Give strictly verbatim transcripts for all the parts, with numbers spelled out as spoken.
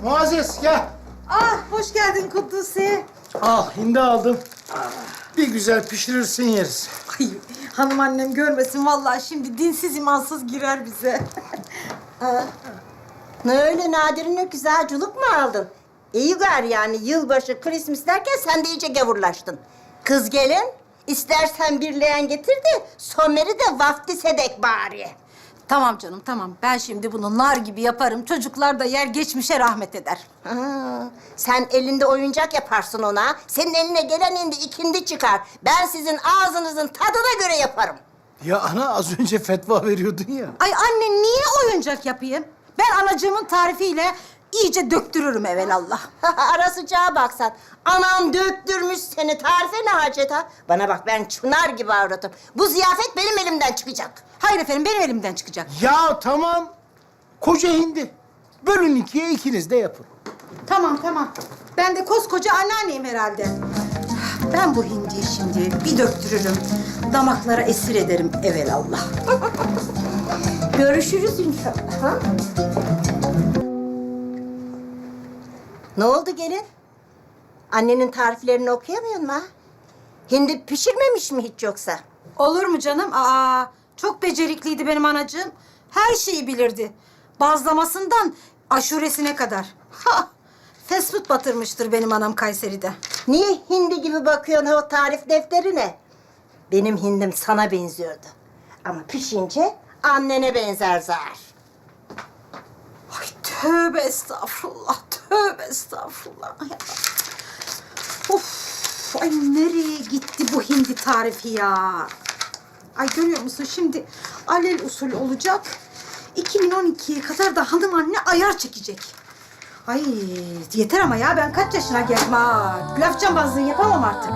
Muazzez gel. Ah, hoş geldin Kuddusi. Al hindi aldım. Bir güzel pişirirsin yeriz. Ay, hanım annem görmesin vallahi şimdi dinsiz imansız girer bize. Ne öyle Nadir'ine güzel culuk mu aldın? İyi gari yani yılbaşı, Christmas derken sen de iyice gavurlaştın. Kız gelin, istersen bir leğen getir de Somer'i de vaftiz edek bari. Tamam canım, tamam. Ben şimdi bunu nar gibi yaparım. Çocuklar da yer geçmişe rahmet eder. Ha, sen elinde oyuncak yaparsın ona. Senin eline gelen hindi ikindi çıkar. Ben sizin ağzınızın tadına göre yaparım. Ya ana az önce fetva veriyordun ya. Ay anne niye oyuncak yapayım? Ben anacığımın tarifiyle iyice döktürürüm evelallah. Ara sıcağa baksan. Anan döktürmüş seni. Tarife ne hacet ha? Bana bak ben çınar gibi avratım. Bu ziyafet benim elimden çıkacak. Hayır efendim, benim elimden çıkacak. Ya tamam. Koca hindi. Bölün ikiye ikiniz de yapın. Tamam, tamam. Ben de koskoca anneanneyim herhalde. Ben bu hindiyi şimdi bir döktürürüm. Damaklara esir ederim evelallah. Görüşürüz inşallah. Ha? Ne oldu gelin? Annenin tariflerini okuyamıyor mu ha? Hindi pişirmemiş mi hiç yoksa? Olur mu canım? Aa, çok becerikliydi benim anacığım. Her şeyi bilirdi. Bazlamasından aşuresine kadar. Ha! Fast food batırmıştır benim anam Kayseri'de. Niye hindi gibi bakıyorsun o tarif defterine? Benim hindim sana benziyordu. Ama pişince annene benzer zar. Ay tövbe estağfurullah, tövbe estağfurullah. Ya. Of, ay nereye gitti bu hindi tarifi ya? Ay görüyor musun şimdi alel usul olacak. iki bin on ikiye kadar da hanım anne ayar çekecek. Ay yeter ama ya ben kaç yaşına geldim ha. Laf cambazlığı yapamam artık.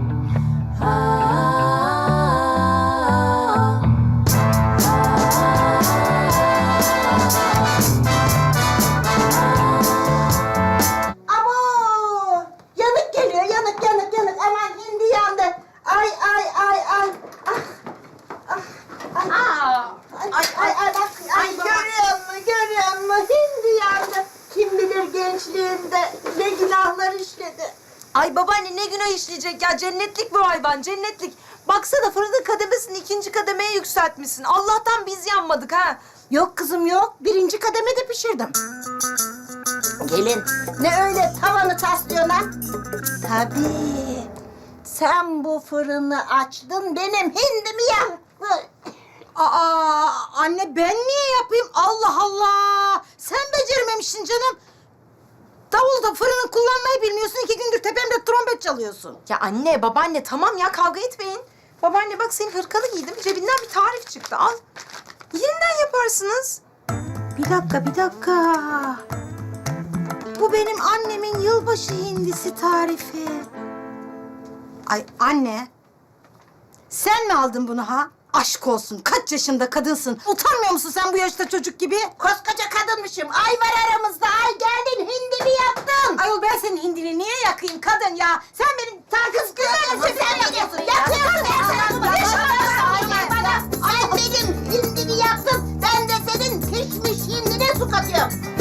Abo! Yanık geliyor, yanık, yanık, yanık. Aman hindi yandı. Ay, ay, ay, ay. Ah, ah, ay. Ay, ay, ay, ay, bak. Ay, görüyor musun, görüyor musun? Hindi yandı. Kim bilir gençliğinde ne günahlar işledi. Ay babaanne ne günah işleyecek ya, cennetlik bu hayvan, cennetlik. Baksana fırının kademesini ikinci kademeye yükseltmişsin. Allah'tan biz yanmadık ha. Yok kızım yok. Birinci kademede pişirdim. Gelin. Ne öyle tavanı taslıyorsun ha? Tabii. Sen bu fırını açtın, benim hindimi yaktın. Aa anne ben niye yapayım? Allah Allah! Sen becermemişsin canım. Davulda fırını kullanmayı bilmiyorsun. İki gündür tepemde trompet çalıyorsun. Ya anne, babaanne tamam ya, kavga etmeyin. Babaanne bak senin hırkanı giydim, cebinden bir tarif çıktı, al. Yeniden yaparsınız. Bir dakika, bir dakika. Bu benim annemin yılbaşı hindisi tarifi. Ay anne, sen mi aldın bunu ha? Aşk olsun, kaç yaşında kadınsın. Utanmıyor musun sen bu yaşta çocuk gibi? Koskoca kadınmışım. Ay var aramızda. Ay geldin hindimi yaktın. Ayol ben senin hindini niye yakayım kadın ya? Sen benim Kız güzel sen yakıyorsun. Yakıyorsun. Sen benim hindimi yaktın. Ben de senin pişmiş hindine su katıyorum.